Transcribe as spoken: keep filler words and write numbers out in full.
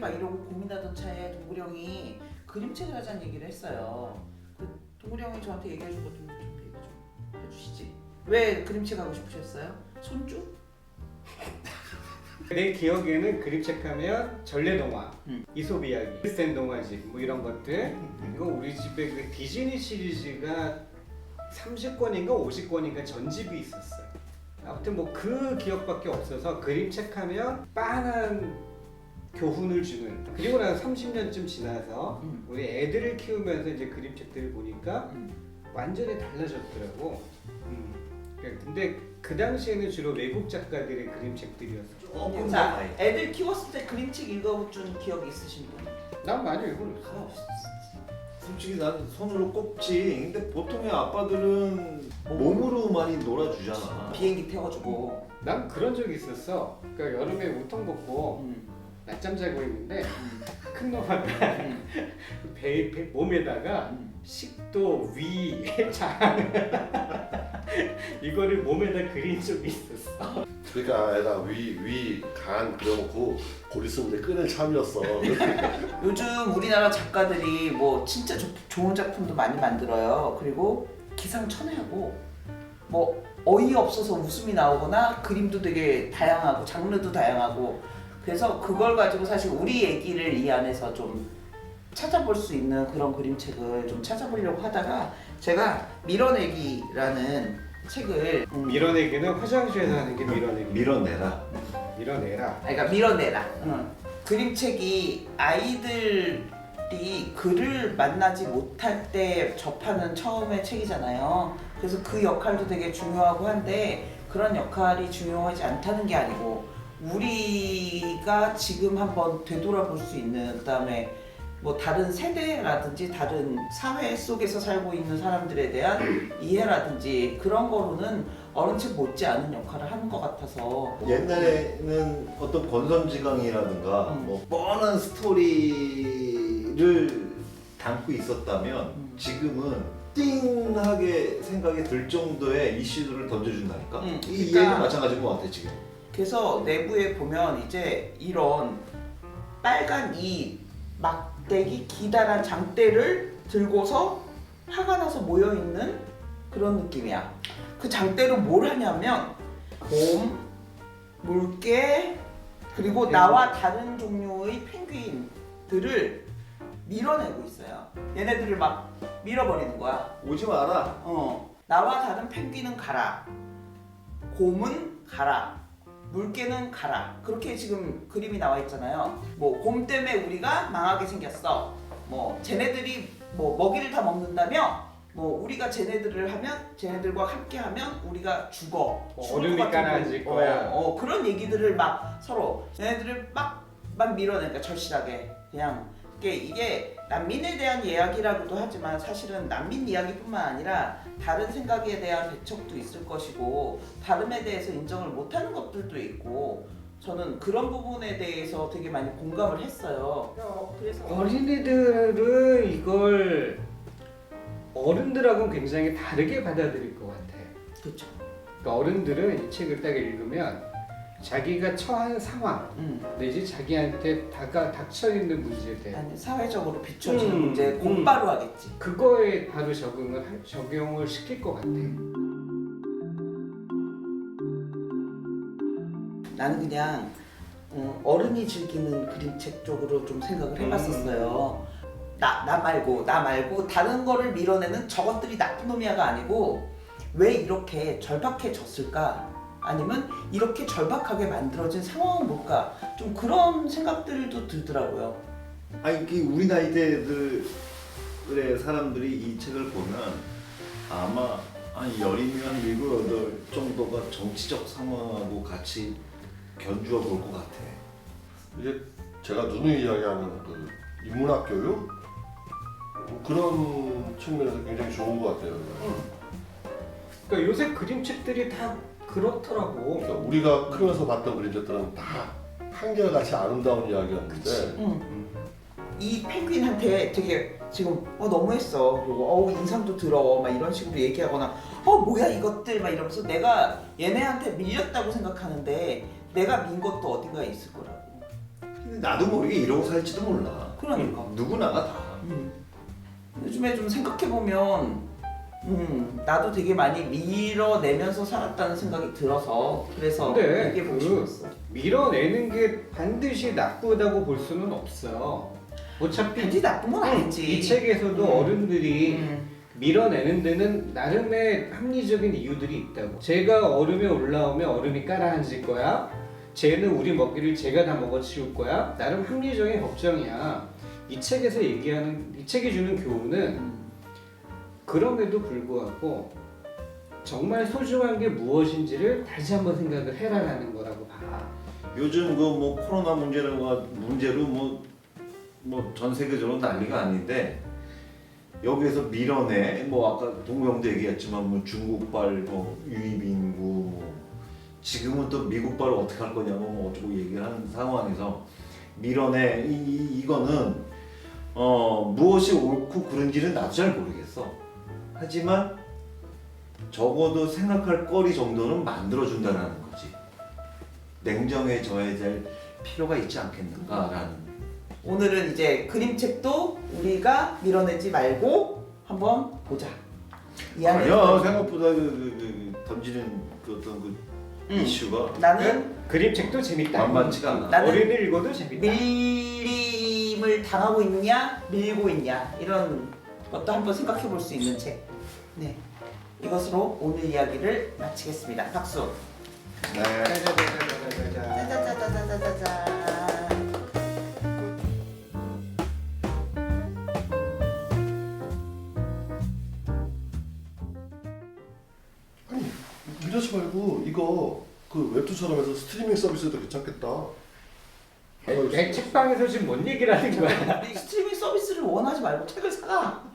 막 이러고 고민하던 차에 동굴이 형이 그림책을 하자는 얘기를 했어요. 그 동굴이 형이 저한테 얘기해준 것 좀 얘기 좀 해주시지. 왜 그림책 하고 싶으셨어요? 손주? 내 기억에는 그림책 하면 전래동화, 음. 이솝 이야기, 센 동화집 뭐 이런 것들. 이거 우리 집에 그 디즈니 시리즈가 삼십 권인가 오십 권인가 전집이 있었어요. 아무튼 뭐 그 기억밖에 없어서 그림책 하면 빤한 교훈을 주는. 그리고 나서 삼십 년쯤 지나서 음. 우리 애들을 키우면서 이제 그림책들을 보니까 음. 완전히 달라졌더라고. 음. 근데 그 당시에는 주로 외국 작가들의 그림책들이었어. 조금 자, 더 애들 키웠을 때 그림책 읽어준 기억이 있으신 분? 난 많이 읽어줬어. 솔직히 난 손으로 꼽지. 근데 보통의 아빠들은 몸으로 많이 놀아주잖아. 비행기 태워주고. 난 그런 적이 있었어. 그러니까 여름에 우통 벗고 음. 낮잠 자고 있는데 음. 큰 놈아가 음. 배, 배 몸에다가 음. 식도, 위, 장 이거를 몸에다 그린 적이 있었어. 그러니까 애가 위, 위, 간 그려놓고 고리 쓰는데 끈을 참이었어. 요즘 우리나라 작가들이 뭐 진짜 조, 좋은 작품도 많이 만들어요. 그리고 기상천외하고 뭐 어이없어서 웃음이 나오거나 그림도 되게 다양하고 장르도 다양하고 그래서 그걸 가지고 사실 우리 얘기를 이 안에서 좀 찾아볼 수 있는 그런 그림책을 좀 찾아보려고 하다가 제가 밀어내기라는 책을 음, 밀어내기는 화장실에서 하는 게 밀어내기. 밀어내라. 밀어내라. 그러니까 밀어내라. 응. 그림책이 아이들이 글을 만나지 못할 때 접하는 처음의 책이잖아요. 그래서 그 역할도 되게 중요하고 한데 그런 역할이 중요하지 않다는 게 아니고 우리가 지금 한번 되돌아볼 수 있는 그다음에 뭐 다른 세대라든지 다른 사회 속에서 살고 있는 사람들에 대한 이해라든지 그런 거로는 어른 책 못지않은 역할을 하는 것 같아서 옛날에는 어떤 권선지강이라든가 음. 뭐 뻔한 스토리를 담고 있었다면 음. 지금은 띵하게 생각이 들 정도의 이슈들을 던져준다니까. 음, 이 그러니까- 얘는 마찬가지인 것 같아 지금. 그래서 내부에 보면 이제 이런 빨간 이 막대기 기다란 장대를 들고서 화가 나서 모여있는 그런 느낌이야. 그 장대로 뭘 하냐면 곰, 물개, 그리고 나와 다른 종류의 펭귄들을 밀어내고 있어요. 얘네들을 막 밀어버리는 거야. 오지 마라. 어, 나와 다른 펭귄은 가라. 곰은 가라. 물개는 가라. 그렇게 지금 그림이 나와 있잖아요. 뭐 곰 때문에 우리가 망하게 생겼어. 뭐 쟤네들이 뭐 먹이를 다 먹는다며 뭐 우리가 쟤네들을 하면 쟤네들과 함께 하면 우리가 죽어. 뭐 죽을 얼음이 것 같은 가라앉을 거. 거야. 어, 어, 그런 얘기들을 막 서로 쟤네들을 막, 막 밀어내니까 절실하게 그냥 이게, 이게 난민에 대한 이야기라고도 하지만 사실은 난민 이야기뿐만 아니라 다른 생각에 대한 배척도 있을 것이고 다름에 대해서 인정을 못하는 것들도 있고 저는 그런 부분에 대해서 되게 많이 공감을 했어요. 그래서 어린이들은 이걸 어른들하고는 굉장히 다르게 받아들일 것 같아. 그렇죠. 그러니까 어른들은 이 책을 딱 읽으면 자기가 처한 상황 음. 내지 자기한테 다가 닥쳐 있는 문제들 아니, 사회적으로 비춰지는 음, 문제 음. 곧바로 하겠지. 그거에 바로 적응을 할- 적용을 시킬 것 같아. 나는 그냥 음, 어른이 즐기는 그림책 쪽으로 좀 생각을 해봤었어요. 나, 나 말고 나 말고 다른 거를 밀어내는 저것들이 나쁜 놈이야가 아니고 왜 이렇게 절박해졌을까? 아니면 이렇게 절박하게 만들어진 상황은 뭘까? 좀 그런 생각들도 들더라고요. 아니 그 우리 나이대들의 사람들이 이 책을 보면 아마 한 열이면 일곱 여덟 정도가 정치적 상황하고 같이 견주어 볼 것 같아. 이게 제가 누누이 이야기하는 그 인문학 교육 그런 측면에서 굉장히 좋은 것 같아요. 그러니까 요새 그림책들이 다 그렇더라고. 그러니까 우리가 크면서 봤던 그림책들은 다 한결같이 아름다운 이야기였는데 응. 이 펭귄한테 되게 지금 어 너무했어. 그리고 어우 인상도 더러워. 막 이런 식으로 얘기하거나 어 뭐야 이것들 막 이러면서 내가 얘네한테 밀렸다고 생각하는데 내가 민 것도 어딘가에 있을 거라고. 나도 모르게 이러고 살지도 몰라. 그러니까. 누구나가 다. 음. 요즘에 좀 생각해 보면, 음, 나도 되게 많이 밀어내면서 살았다는 생각이 들어서 그래서 근데 얘기해 보고 그- 싶었어. 밀어내는 게 반드시 나쁘다고 볼 수는 없어요. 어차피 반드시 나쁜 건 아니지. 이 책에서도 음. 어른들이 음. 밀어내는 데는 나름의 합리적인 이유들이 있다고. 제가 얼음에 올라오면 얼음이 깔아앉을 거야. 쟤는 우리 먹이를 제가 다 먹어치울 거야. 나름 합리적인 걱정이야. 이 책에서 얘기하는 이 책이 주는 교훈은 음. 그럼에도 불구하고 정말 소중한 게 무엇인지를 다시 한번 생각을 해라라는 거라고 봐. 요즘 그 뭐 코로나 문제로 문제로 뭐 뭐 전 세계적으로 난리가 아닌데 여기에서 밀어내 뭐 아까 동명도 얘기했지만 뭐 중국발 뭐 유입 인구 뭐 지금은 또 미국발을 어떻게 할 거냐고 뭐 어쩌고 얘기를 하는 상황에서 밀어내 이, 이 이거는 어 무엇이 옳고 그른지는 나도 잘 모르겠어. 하지만 적어도 생각할 거리 정도는 만들어준다는 거지. 냉정해져야 될 필요가 있지 않겠는가라는. 오늘은 이제 그림책도 우리가 밀어내지 말고 한번 보자. 이야기. 아니야 생각보다 그, 그, 그 던지는 그 어떤 그 음. 이슈가 나는 그림책도 재밌다. 만만치가 않아. 나는 어린이 읽어도 재밌다. 밀림을 당하고 있냐, 밀고 있냐 이런 것도 한번 생각해 볼 수 있는 책. 네, 이것으로 오늘 이야기를 마치겠습니다. 박수. 네. 짜자자자자자자. 짜자자자자자자. 아니 밀어치 말고 이거 그 웹툰처럼 해서 스트리밍 서비스도 괜찮겠다. 내 책방에서 지금 뭔 얘기를 하는 거야? 스트리밍 서비스를 원하지 말고 책을 사가.